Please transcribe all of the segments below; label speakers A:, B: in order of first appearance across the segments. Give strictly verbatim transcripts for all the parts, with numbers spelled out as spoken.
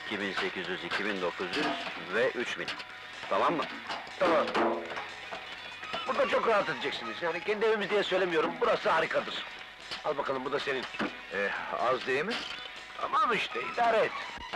A: iki bin sekiz yüz, iki bin dokuz yüz ve üç bin. Tamam mı?
B: Tamam. Burada çok rahat edeceksiniz. Yani kendi evimiz diye söylemiyorum, burası harikadır. Al bakalım, bu da senin.
C: Ee, az değil mi?
B: Tamam işte, idare et.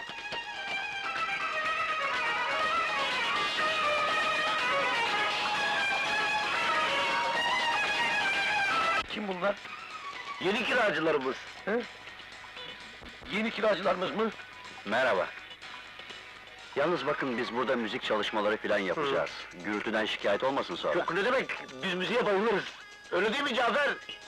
B: Kim bunlar? Yeni kiracılarımız. He? Yeni kiracılarımız mı?
A: Merhaba. Yalnız bakın, biz burada müzik çalışmaları filan yapacağız. Gürültüden şikayet olmasın sonra.
B: Yok, ne demek? Biz müziğe bayılırız. Öyle değil mi Cafer?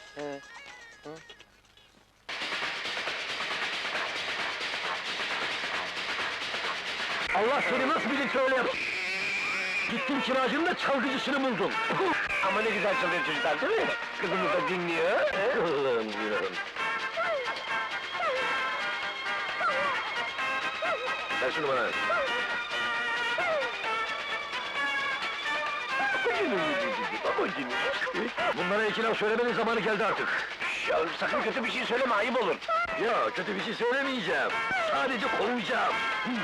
B: Allah seni nasıl bilirse öyle yap. Gittin kiracının da çalgıcısını buldun. Ama ne güzel çalıyor çocuklar, değil mi? Kızımız da dinliyor.
A: Allah'ım diyorum.
B: Ver şunu bana. Babacığım, bunlara iki laf söylemenin zamanı geldi artık. Ya sakın kötü bir şey söyleme, ayıp olur. Ya kötü bir şey söylemeyeceğim. Sadece kovacağım.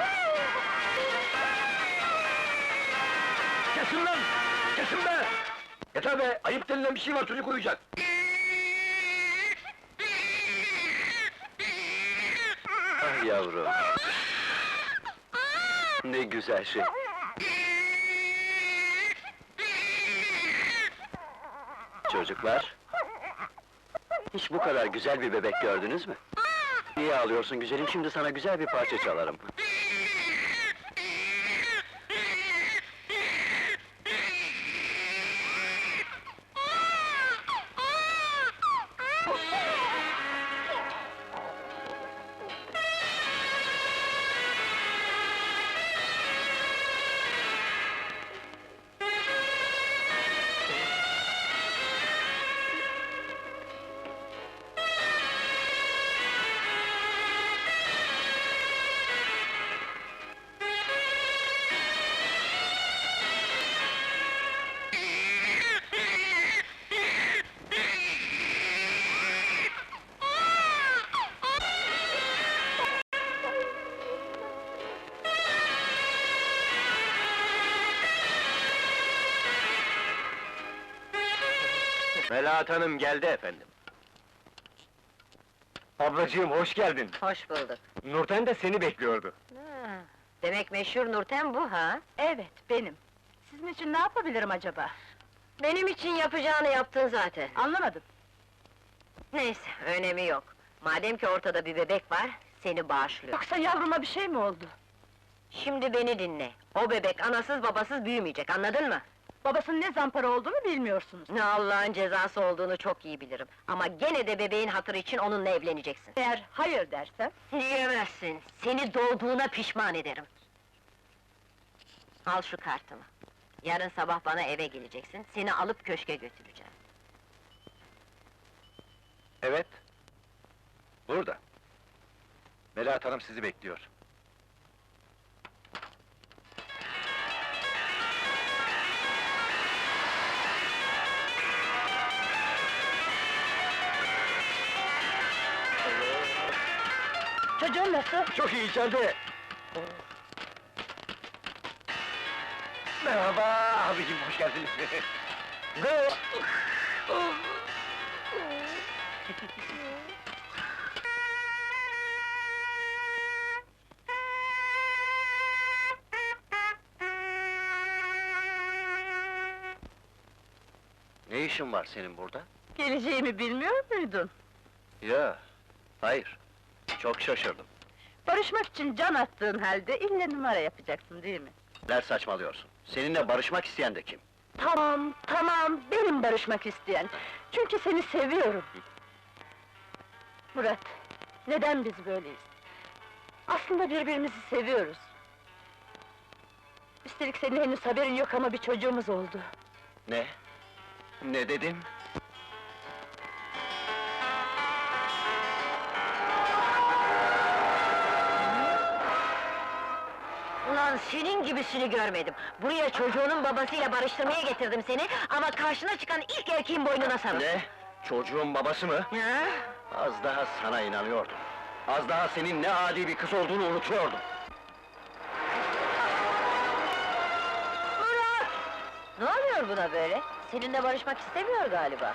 B: Kesin lan! Kesin be! Yeter be! Ayıp denilen bir şey var, çocuk uyuyacak.
A: Ah yavrum! Ne güzel şey! Çocuklar! Hiç bu kadar güzel bir bebek gördünüz mü? Niye ağlıyorsun güzelim? Şimdi sana güzel bir parça çalarım.
B: Melahat Hanım geldi efendim. Ablacığım, hoş geldin.
D: Hoş bulduk.
B: Nurten de seni bekliyordu.
D: Ha, demek meşhur Nurten bu ha?
E: Evet, benim. Sizin için ne yapabilirim acaba?
D: Benim için yapacağını yaptın zaten.
E: Anlamadım.
D: Neyse, önemi yok. Madem ki ortada bir bebek var, seni bağışlıyor.
E: Yoksa yavruma bir şey mi oldu?
D: Şimdi beni dinle. O bebek anasız babasız büyümeyecek, anladın mı?
E: Babasının ne zampara olduğunu bilmiyorsunuz.
D: Ne Allah'ın cezası olduğunu çok iyi bilirim. Ama gene de bebeğin hatırı için onunla evleneceksin.
E: Eğer hayır dersem...
D: Diyemezsin, seni doğduğuna pişman ederim. Al şu kartımı. Yarın sabah bana eve geleceksin, seni alıp köşke götüreceğim.
C: Evet. Burada. Melahat Hanım sizi bekliyor.
E: Çocuğun nasıl?
B: Çok iyi, içeride. Merhaba abicim, hoş geldiniz.
A: Ne işin var senin burada?
E: Geleceğimi bilmiyor muydun?
A: Ya, hayır. Çok şaşırdım.
E: Barışmak için can attığın halde ille numara yapacaksın değil mi?
A: Neler saçmalıyorsun? Seninle barışmak isteyen de kim?
E: Tamam, tamam, benim barışmak isteyen. Çünkü seni seviyorum. Murat, neden biz böyleyiz? Aslında birbirimizi seviyoruz. Üstelik senin henüz haberin yok ama bir çocuğumuz oldu.
A: Ne? Ne dedin?
D: Ulan senin gibisini görmedim. Buraya çocuğunun babasıyla barıştırmaya getirdim seni, ama karşına çıkan ilk erkeğin boynuna sarıl.
A: Ne? Çocuğun babası mı?
D: Ha?
A: Az daha sana inanıyordum. Az daha senin ne adi bir kız olduğunu unutuyordum.
D: Ne oluyor buna böyle? Seninle barışmak istemiyor galiba.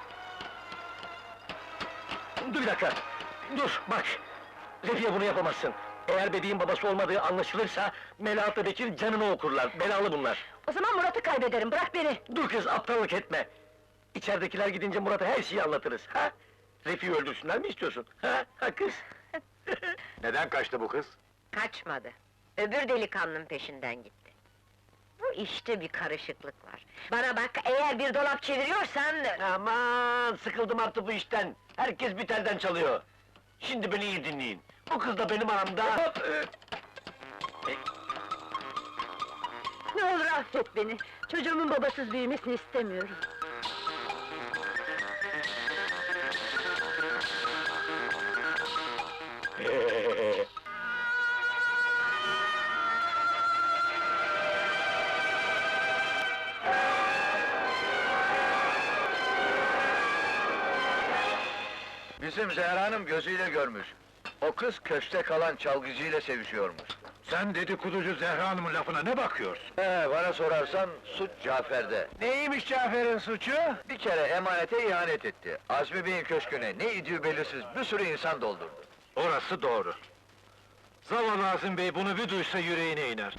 B: Dur bir dakika! Dur, bak! Refiye bunu yapamazsın! Eğer Bedi'nin babası olmadığı anlaşılırsa, Melahat'la Bekir canını okurlar, belalı bunlar!
E: O zaman Murat'ı kaybederim, bırak beni!
B: Dur kız, aptallık etme! İçeridekiler gidince Murat'a her şeyi anlatırız, ha? Refi'yi öldürsünler mi istiyorsun, ha? Ha kız?
C: Neden kaçtı bu kız?
D: Kaçmadı. Öbür delikanlının peşinden gitti. Bu işte bir karışıklık var. Bana bak, eğer bir dolap çeviriyorsan...
B: Aman, sıkıldım artık bu işten! Herkes bir telden çalıyor! Şimdi beni iyi dinleyin! Bu kız da benim aramda...
E: Ne olur affet beni! Çocuğumun babasız büyümesini istemiyorum.
C: Bizim Zehra Hanım gözüyle görmüş. O kız köşte kalan çalgıcıyla sevişiyormuş.
B: Sen dedikoducu Zehra Hanım'ın lafına ne bakıyorsun?
C: He, bana sorarsan suç Cafer'de.
B: Neymiş Cafer'in suçu?
C: Bir kere emanete ihanet etti. Azmi Bey'in köşküne ne idüğü belirsiz bir sürü insan doldurdu.
B: Orası doğru. Zavallı Azim Bey bunu bir duysa yüreğine iner.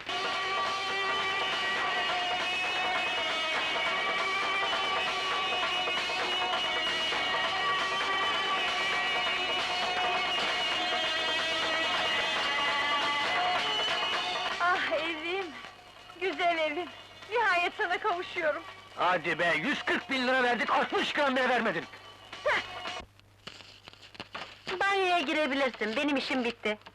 E: Ah evim! Güzel evim! Nihayet sana kavuşuyorum!
B: Hadi be, yüz kırk bin lira verdik, altmış gram bile vermedin!
D: Banyoya girebilirsin, benim işim bitti.